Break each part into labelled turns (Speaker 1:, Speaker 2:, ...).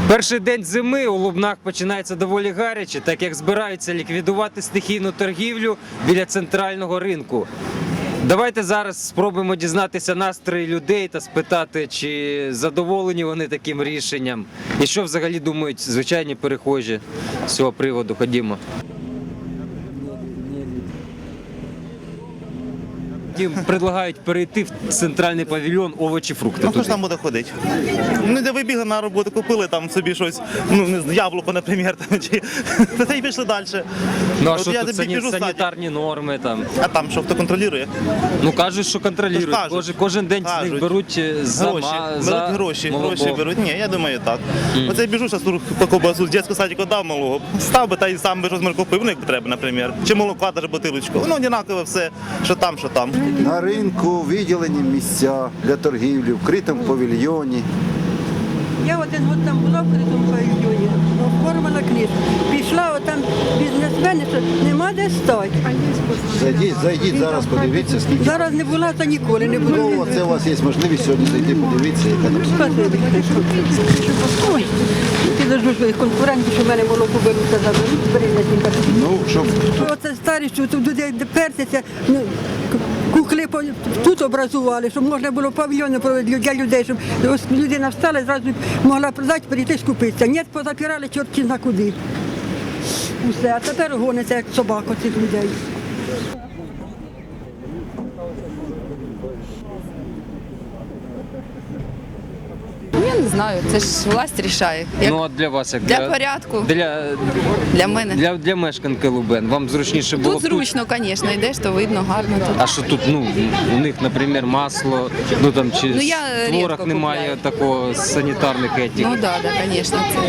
Speaker 1: Перший день зими у Лубнах починається доволі гаряче, так як збираються ліквідувати стихійну торгівлю біля центрального ринку. Давайте зараз спробуємо дізнатися настрої людей та спитати, чи задоволені вони таким рішенням і що взагалі думають звичайні перехожі з цього приводу. Ходімо. Їм предлагають перейти в центральний павільйон овочі, фрукти.
Speaker 2: Ну хто ж там буде ходити? Ну де вибігли на роботу, купили там собі щось, ну не знаю, яблуко, наприклад, там, чи та й пішли далі.
Speaker 1: Ну а
Speaker 2: От
Speaker 1: що
Speaker 2: я
Speaker 1: тут
Speaker 2: тобі біжу
Speaker 1: санітарні норми там?
Speaker 2: А там що, хто контролює?
Speaker 1: Ну кажуть, що контролюють.
Speaker 2: Кажуть.
Speaker 1: Кожен день з них
Speaker 2: Кажуть.
Speaker 1: беруть
Speaker 2: Гроші
Speaker 1: молоко.
Speaker 2: беруть. Ні, я думаю так. Оце я біжу, зараз по ковбасу з дитячого садика дав малого. Став би та й сам би щось купив, ну як треба, наприклад. Чи молока, навіть бутилочку. Воно однаково все, що там, що там.
Speaker 3: На ринку виділені місця для торгівлі, в критому павільйоні.
Speaker 4: Я один год там була в критому павільйоні, оформила книжку. Пішла, отам бізнесмени, що нема де стати.
Speaker 3: Зайдіть зараз, подивіться, скільки.
Speaker 4: Зараз не була, та ніколи не була.
Speaker 3: Ну, це у вас є можливість сьогодні зайти, подивитися, яка там ситуація.
Speaker 4: Спасибі. Ой, підожду своїх конкурентів, що в мене молоко беруться, заберуть, перенесінка.
Speaker 3: Ну, щоб
Speaker 4: Оце старі, що тут люди персяться, ну, кухли тут образували, щоб можна було павільйони проводити для людей, щоб ось людина встала і зразу могла продати, прийти скупитися. Ні, позапирали чорті на куди. Усе, а тепер гониться, як собака цих людей.
Speaker 5: Я не знаю, це ж власть рішає. Як
Speaker 1: Ну а для вас як?
Speaker 5: для порядку, для мене.
Speaker 1: Для мешканки Лубен. Вам зручніше було
Speaker 5: Тут зручно, звісно, йдеш, то видно, гарно тут.
Speaker 1: А що тут, ну, у них, наприклад, масло, ну там чи
Speaker 5: Ну, я
Speaker 1: творог
Speaker 5: рідко
Speaker 1: немає
Speaker 5: купляю.
Speaker 1: такого санітарних етик.
Speaker 5: Ну так, звісно, це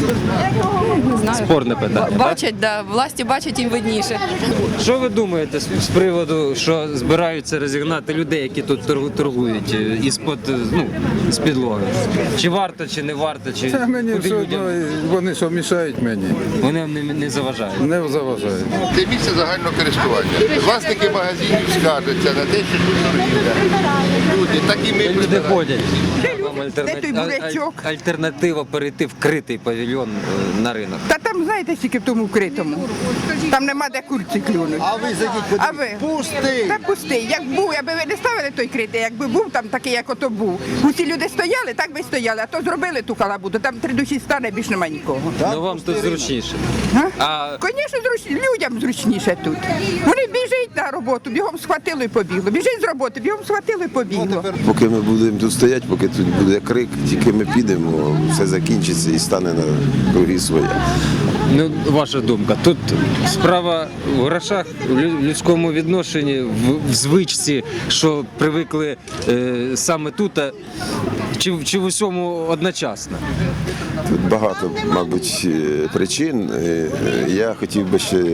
Speaker 5: не знаю.
Speaker 1: Спорне питання. так?
Speaker 5: Бачать, власті бачать, їм видніше.
Speaker 1: Що ви думаєте з приводу, що збираються розігнати людей, які тут торгують із-під, ну, з підлоги? Чи варто, чи не варто, чи
Speaker 6: Це мені
Speaker 1: куди
Speaker 6: все
Speaker 1: людям?
Speaker 6: одно, вони що мішають мені,
Speaker 1: Вони не заважають.
Speaker 6: не заважають.
Speaker 7: Це місце загального користування. Власники магазинів скаржаться на те, що тут торгівля. Люди, так і ми
Speaker 1: Люди
Speaker 7: прибираємо.
Speaker 1: ходять. Вам альтернатива перейти в критий павільйон на ринок.
Speaker 8: Та там, знаєте, скільки в тому вкритому. Там нема де курці клюнуть.
Speaker 3: А ви зайдіть,
Speaker 8: А ви?
Speaker 3: подивіться. Пустий!
Speaker 8: Та пустий. Як був, аби ви не ставили той критий, якби був там такий, як ото був. Усі люди стояли, так би й стояли, а то зробили ту калабуду. Там три душі стане, більш нема нікого.
Speaker 1: Ну вам тут зручніше. А
Speaker 8: Звісно, людям зручніше тут. Вони біжать на роботу, бігом схватили і побігло. Біжить з роботи, бігом схватили і побігло.
Speaker 9: Поки ми будемо тут стояти, поки тут буде крик, тільки ми підемо, все закінчиться і стане на круги своє.
Speaker 1: ну, ваша думка, тут справа в грошах, в людському відношенні, в звичці, що привикли саме тут, чи в усьому одночасно?
Speaker 9: Тут багато, мабуть, причин. Я хотів би ще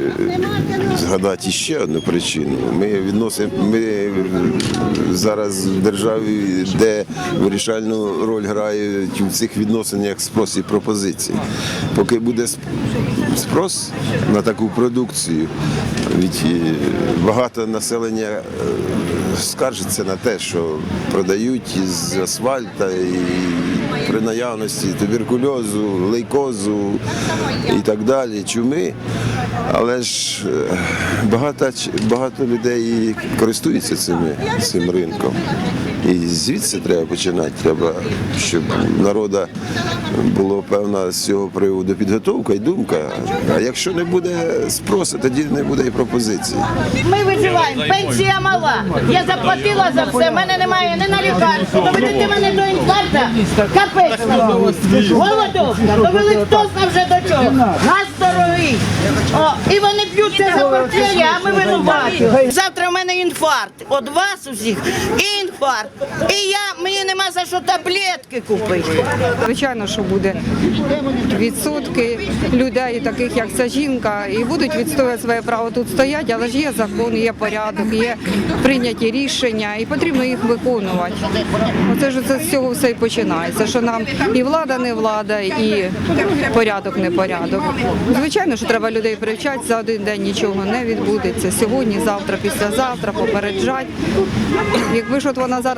Speaker 9: згадати ще одну причину. Ми зараз в державі, де вирішальну роль грають в цих відносинах спрос і пропозиції. Поки буде спрос на таку продукцію, від багато населення скаржиться на те, що продають із асфальта і при наявності туберкульозу, лейкозу і так далі, чуми. Але ж багато людей користуються цим ринком. І звідси треба починати. Треба, щоб у народу була певна з цього приводу підготовка і думка. А якщо не буде спросу, тоді не буде і пропозиції.
Speaker 10: Ми виживаємо, пенсія мала. Я заплатила за все, в мене немає ні на лікарство. Доведете мене до інфаркта, капець. Голодовка, довели хто знає вже до чого. Нас дорогий. І вони б'ються за портфелі, а ми винуваті. Завтра в мене інфаркт. От вас усіх інфаркт. І мені нема за що таблетки купити.
Speaker 11: Звичайно, що буде відсотки людей, таких як ця жінка, і будуть відстоювати своє право тут стояти, але ж є закон, є порядок, є прийняті рішення, і потрібно їх виконувати. Оце ж з цього все і починається, що нам і влада не влада, і порядок не порядок. Звичайно, що треба людей привчати, за один день нічого не відбудеться. Сьогодні, завтра, післязавтра попереджати. Якби ж от вона зараз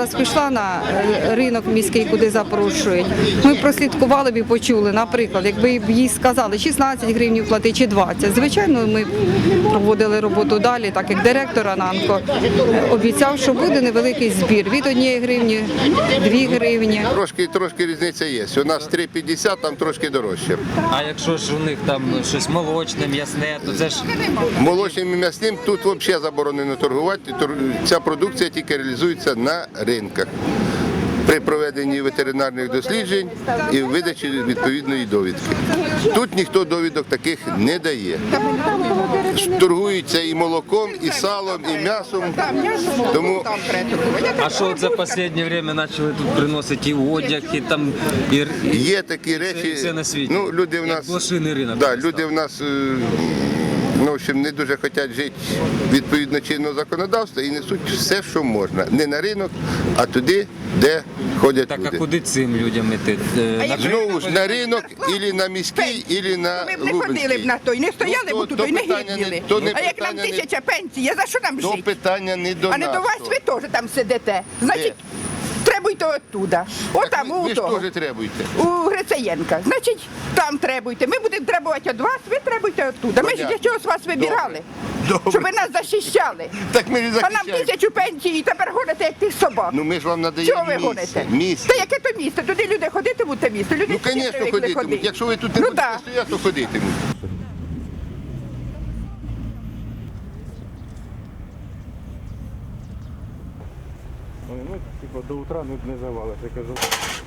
Speaker 11: зараз пішла на ринок міський, куди запрошують, ми прослідкували б і почули, наприклад, якби їй сказали 16 гривень плати чи 20. Звичайно, ми проводили роботу далі, так як директор Ананко обіцяв, що буде невеликий збір від 1 гривні, 2 гривні.
Speaker 7: Трошки різниця є. У нас 3,50, там трошки дорожче.
Speaker 1: А якщо ж у них там щось молочне, м'ясне, то це ж
Speaker 7: Молочним і м'ясним тут взагалі заборонено торгувати. Ця продукція тільки реалізується на ринках при проведенні ветеринарних досліджень і видачі відповідної довідки. Тут ніхто довідок таких не дає. Торгуються і молоком, і салом, і м'ясом. Тому
Speaker 1: а що от за останнє время почали тут приносити і одяг, і там і
Speaker 7: є такі речі.
Speaker 1: все на світі.
Speaker 7: Ну, люди в
Speaker 1: Як
Speaker 7: нас
Speaker 1: блошиний ринок.
Speaker 7: Да, люди в нас в общем, не дуже хочуть жити відповідно чинного законодавства і несуть все, що можна. Не на ринок, а туди, де ходять
Speaker 1: Так,
Speaker 7: люди.
Speaker 1: а куди цим людям іти?
Speaker 7: Знову ж на ринок, або на міський, або на
Speaker 8: Ми б не ходили б на той, не стояли б тут, і не гиділи.
Speaker 7: то не
Speaker 8: А як нам
Speaker 7: питання не-
Speaker 8: 1000 пенсії, за що нам
Speaker 7: То
Speaker 8: жити?
Speaker 7: питання не до
Speaker 8: А не
Speaker 7: нас.
Speaker 8: до вас ви теж там сидите. Значить, требуйте оттуда. Отам, у
Speaker 7: Ви ж
Speaker 8: того.
Speaker 7: теж требуєте.
Speaker 8: У Грицаєнка. Значить, там требуйте. Ми будемо требувати від вас, ви требуйте оттуда. Ми ж
Speaker 7: Понятно.
Speaker 8: для чогось вас вибирали.
Speaker 7: Добре.
Speaker 8: Щоб ви нас захищали.
Speaker 7: Так ми не
Speaker 8: А нам
Speaker 7: захищаємо.
Speaker 8: 1000 пенсій і тепер гоните, як тих собак.
Speaker 7: Ну ми ж вам надаємо
Speaker 8: Чого ви
Speaker 7: місце.
Speaker 8: гоните?
Speaker 7: Місце.
Speaker 8: Та яке то місце? Туди люди ходитимуть, те місце. Люди
Speaker 7: Ну,
Speaker 8: всі
Speaker 7: звісно,
Speaker 8: привикли
Speaker 7: ходитимуть.
Speaker 8: ходити.
Speaker 7: Якщо ви тут не
Speaker 8: Ну,
Speaker 7: будете
Speaker 8: да.
Speaker 7: стояти, то ходитимуть.
Speaker 2: До утра не завалиш, я кажу.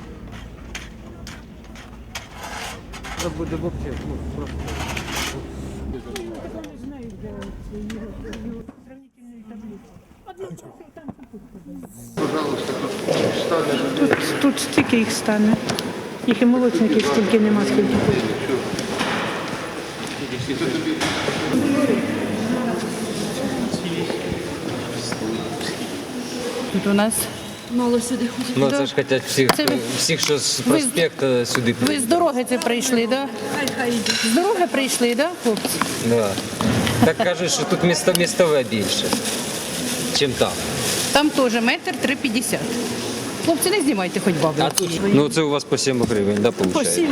Speaker 1: Буде взагалі, просто.
Speaker 12: Тут стільки їх стане. Їх і молочників стільки нема, скільки тут.
Speaker 5: Тут у нас мало сюди ходить.
Speaker 1: Ну це ж хочуть всіх, що з проспекту сюди
Speaker 12: Ви з дороги це прийшли, так? Да? З дороги прийшли, так, хлопці?
Speaker 1: Да. Так кажуть, що тут містове більше, чим там.
Speaker 12: Там теж 1,350 м. Хлопці, не знімайте хоч бабу.
Speaker 1: А тут, ну це у вас по 7 гривень, да,
Speaker 12: По
Speaker 1: виходить?
Speaker 12: 7.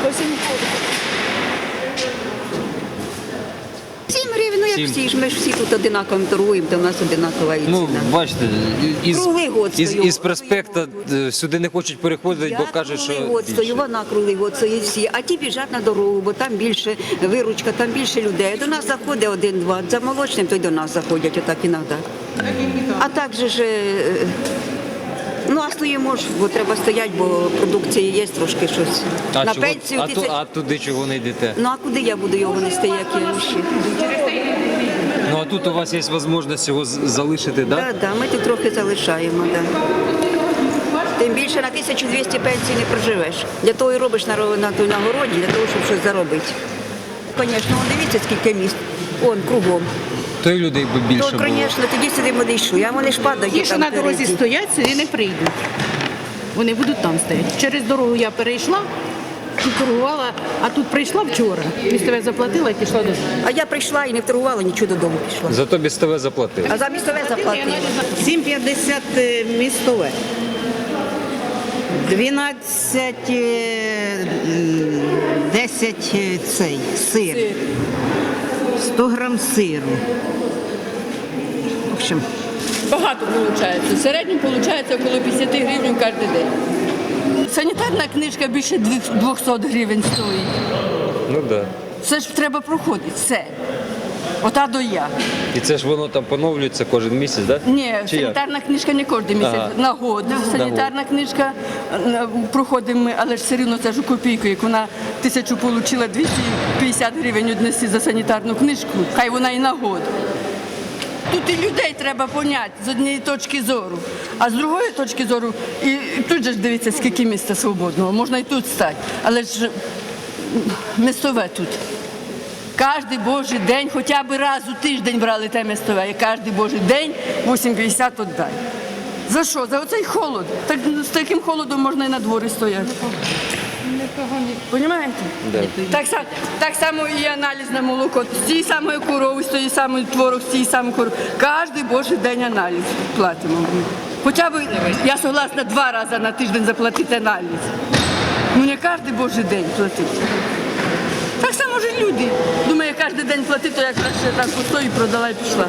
Speaker 13: 7 гривень, ну як
Speaker 1: 7.
Speaker 13: всі ж, ми ж всі тут одинаково торгуємо, то в нас одинакова і ціна.
Speaker 1: Ну, бачите,
Speaker 13: Круглий год стою.
Speaker 1: із проспекту сюди не хочуть переходити, бо кажуть, що
Speaker 13: круглий год стою,
Speaker 1: більше.
Speaker 13: вона круглий год стоїть всі, а ті біжать на дорогу, бо там більше виручка, там більше людей. До нас заходить 1-2, за молочним, то й до нас заходять отак іноді. А так же ж, ну а стоїмо ж, бо треба стояти, бо продукції є трошки щось.
Speaker 1: А,
Speaker 13: На
Speaker 1: чого,
Speaker 13: пенсію ти це...
Speaker 1: а туди чого не йдете?
Speaker 13: Ну а куди я буду його нести, як я ще?
Speaker 1: Ну а тут у вас є можливість його залишити, так? Да?
Speaker 13: Так, да, ми тут трохи залишаємо, да. Тим більше на 1200 пенсій не проживеш. Для того і робиш на той нагороді, для того, щоб щось заробити. Звісно, дивіться, скільки міст. Он кругом.
Speaker 1: То й людей би більше
Speaker 13: То,
Speaker 1: було.
Speaker 13: звісно, тоді сюди вони йшли, а вони ж падають.
Speaker 12: Ті, що
Speaker 13: там
Speaker 12: на дорозі
Speaker 13: впереді.
Speaker 12: стоять, сюди не прийдуть. Вони будуть там стояти. Через дорогу я перейшла, тут торгувала, а тут прийшла вчора. Місцеве заплатила і пішла додому.
Speaker 13: А я прийшла і не вторгувала, нічого додому пішла.
Speaker 1: Зато містове заплатили.
Speaker 13: А за місцеве заплатила.
Speaker 10: 7,50 містове. 12, 10 цей сир. 100 грам сиру. В общем,
Speaker 5: Багато виходить. В середньому виходить около 50 гривень кожен день. Санітарна книжка більше 200 гривень стоїть.
Speaker 1: Ну так. Да.
Speaker 5: Все ж треба проходити, все. Ота до я.
Speaker 1: І це ж воно там поновлюється кожен місяць, так? Да?
Speaker 5: Ні,
Speaker 1: Чи як?
Speaker 5: санітарна книжка не кожен місяць,
Speaker 1: Ага.
Speaker 5: на год. Санітарна книжка проходимо ми, але ж все рівно це ж у копійку. Як вона 1000 отримала, 250 гривень віднести за санітарну книжку, хай вона і на год. Тут і людей треба поняти з однієї точки зору, а з другої точки зору, і тут же ж дивіться, скільки місця свободного, можна і тут стати, але ж місцеве тут. Кожний божий день, хоча б раз у тиждень брали те місцеве, і кожний божий день 8,50 віддай. За що? За оцей холод. Так, з таким холодом можна і на дворі стояти. Понімаєте?
Speaker 1: Да.
Speaker 5: Так само і аналіз на молоко. З тієї самої корови, з тієї самої творог, з тієї самої корови. Кожний божий день аналіз платимо. Хоча б, я согласна 2 рази на тиждень заплатити аналіз. Ну не кожен божий день платити. Так само ж і люди. Думаю, кожен день платити, то я краще так пустою продала і пішла.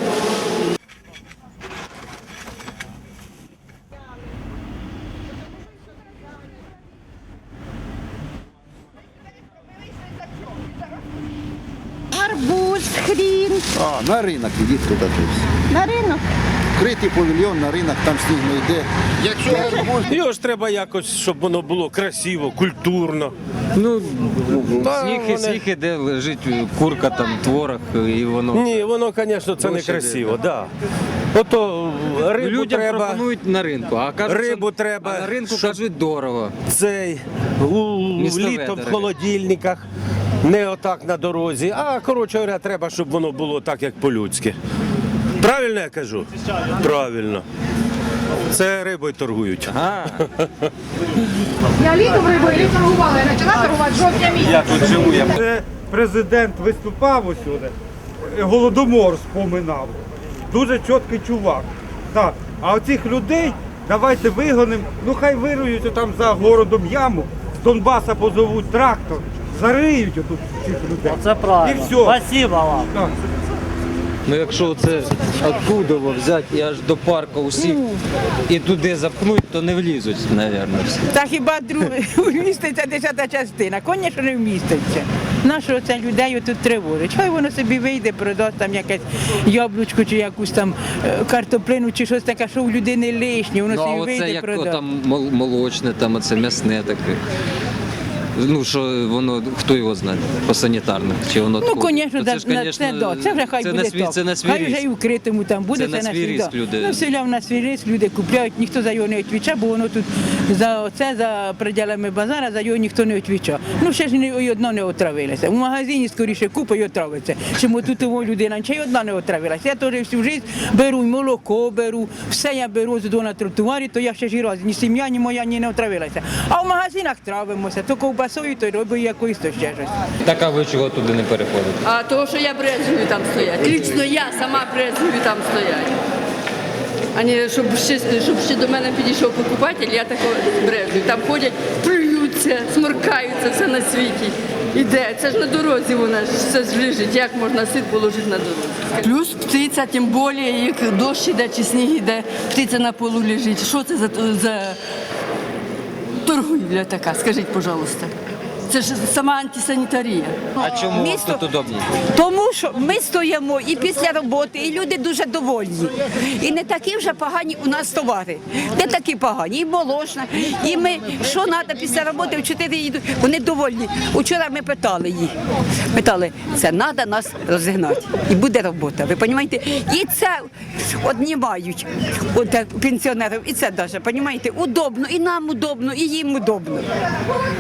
Speaker 10: Арбуз, хрін.
Speaker 3: На ринок ідіть туди.
Speaker 10: На ринок.
Speaker 3: Критий павільйон на ринок, там сніг не йде.
Speaker 14: Його ж треба якось, щоб воно було красиво, культурно.
Speaker 1: Ну,
Speaker 14: Та
Speaker 1: сніг іде, лежить курка, там, творог, і воно...
Speaker 14: Ні, воно, звісно, це не
Speaker 1: Гроші
Speaker 14: красиво, да. Ото рибу
Speaker 1: Людям
Speaker 14: треба,
Speaker 1: пропонують на ринку, а кажуть,
Speaker 14: рибу
Speaker 1: що
Speaker 14: треба,
Speaker 1: а на ринку
Speaker 14: щоб-
Speaker 1: кажуть дорого.
Speaker 14: цей,
Speaker 1: Місцеве
Speaker 14: літом в
Speaker 1: дороге.
Speaker 14: холодильниках, не отак на дорозі. А, коротше говоря, треба, щоб воно було так, як по-людськи. Правильно я кажу? Правильно. Це рибою торгують.
Speaker 1: А,
Speaker 10: Я літом рибою торгувала, я почала торгувати жовтня місяця.
Speaker 15: Це президент виступав усюди, Голодомор споминав. Дуже чіткий чувак. Так. А оцих людей давайте вигонимо, ну хай вирують там за городом яму, з Донбаса позовуть трактор, зариють отут цих людей.
Speaker 16: Це правильно.
Speaker 15: І все.
Speaker 16: Спасибо вам.
Speaker 15: Так.
Speaker 1: ну якщо це оттуда взяти і аж до парку усіх і туди запхнуть, то не влізуть, мабуть, всі.
Speaker 8: Та хіба вміститься 10-та частина? Звісно, не вміститься. Нащо це людей тут тривожить? Хай воно собі вийде, продасть там якесь яблучко чи якусь там картоплину чи щось таке, що у людини лишнє, воно
Speaker 1: Ну, а
Speaker 8: собі
Speaker 1: оце
Speaker 8: вийде,
Speaker 1: як
Speaker 8: продасть.
Speaker 1: там молочне, там оце м'ясне таке. Ну, що воно, хто його знає, по санітарних, чи воно
Speaker 8: Ну,
Speaker 1: такого?
Speaker 8: звісно,
Speaker 1: То
Speaker 8: це вже хай
Speaker 1: це
Speaker 8: буде
Speaker 1: на свій,
Speaker 8: так.
Speaker 1: це на свій
Speaker 8: Хай вже
Speaker 1: риск.
Speaker 8: і в критому там буде,
Speaker 1: Це на свій
Speaker 8: свій,
Speaker 1: риск
Speaker 8: да.
Speaker 1: люди.
Speaker 8: Ну, селяв на свій риск, люди купляють, ніхто за його не відповідає, бо воно тут за пределами базара, за його ніхто не відповідає. Ну, ще ж ні одна не отравилася. В магазині скоріше купа і отравиться. Чому тут його людина, ще й одна не отравилася. Я теж всю життя беру, і молоко беру, все я беру з на тротуарі, то я ще ж і раз, ні сім'я, ні моя, ні не отравилася. А в магазинах травимося, то ковбасою, то й рибою якоюсь, то ще щось.
Speaker 1: Так, а ви чого туди не переходите?
Speaker 5: А того, що я брезгую там стоять. Лічно я сама брезгую там стоять. А не щоб ще до мене підійшов покупатель, я такого брезгую. Там ходять, плюються, сморкаються, все на світі. Іде, це ж на дорозі вона ж все ж лежить. Як можна сир положити на дорозі? Плюс птиця, тим більше, як дощ іде чи сніг іде, птиця на полу лежить. Що це за торгівля така, скажіть, пожалуйста. Це ж сама антисанітарія.
Speaker 1: А чому вам тут удобніше?
Speaker 13: Тому що ми стоїмо і після роботи, і люди дуже довольні. І не такі вже погані у нас товари. Не такі погані. І молочна, і ми, що треба після роботи, в 4 їдуть. Вони довольні. Учора ми питали їх. Питали, це треба нас розігнати. І буде робота, ви розумієте? І це одні мають пенсіонерів, і це навіть, розумієте, удобно, і нам удобно, і їм удобно.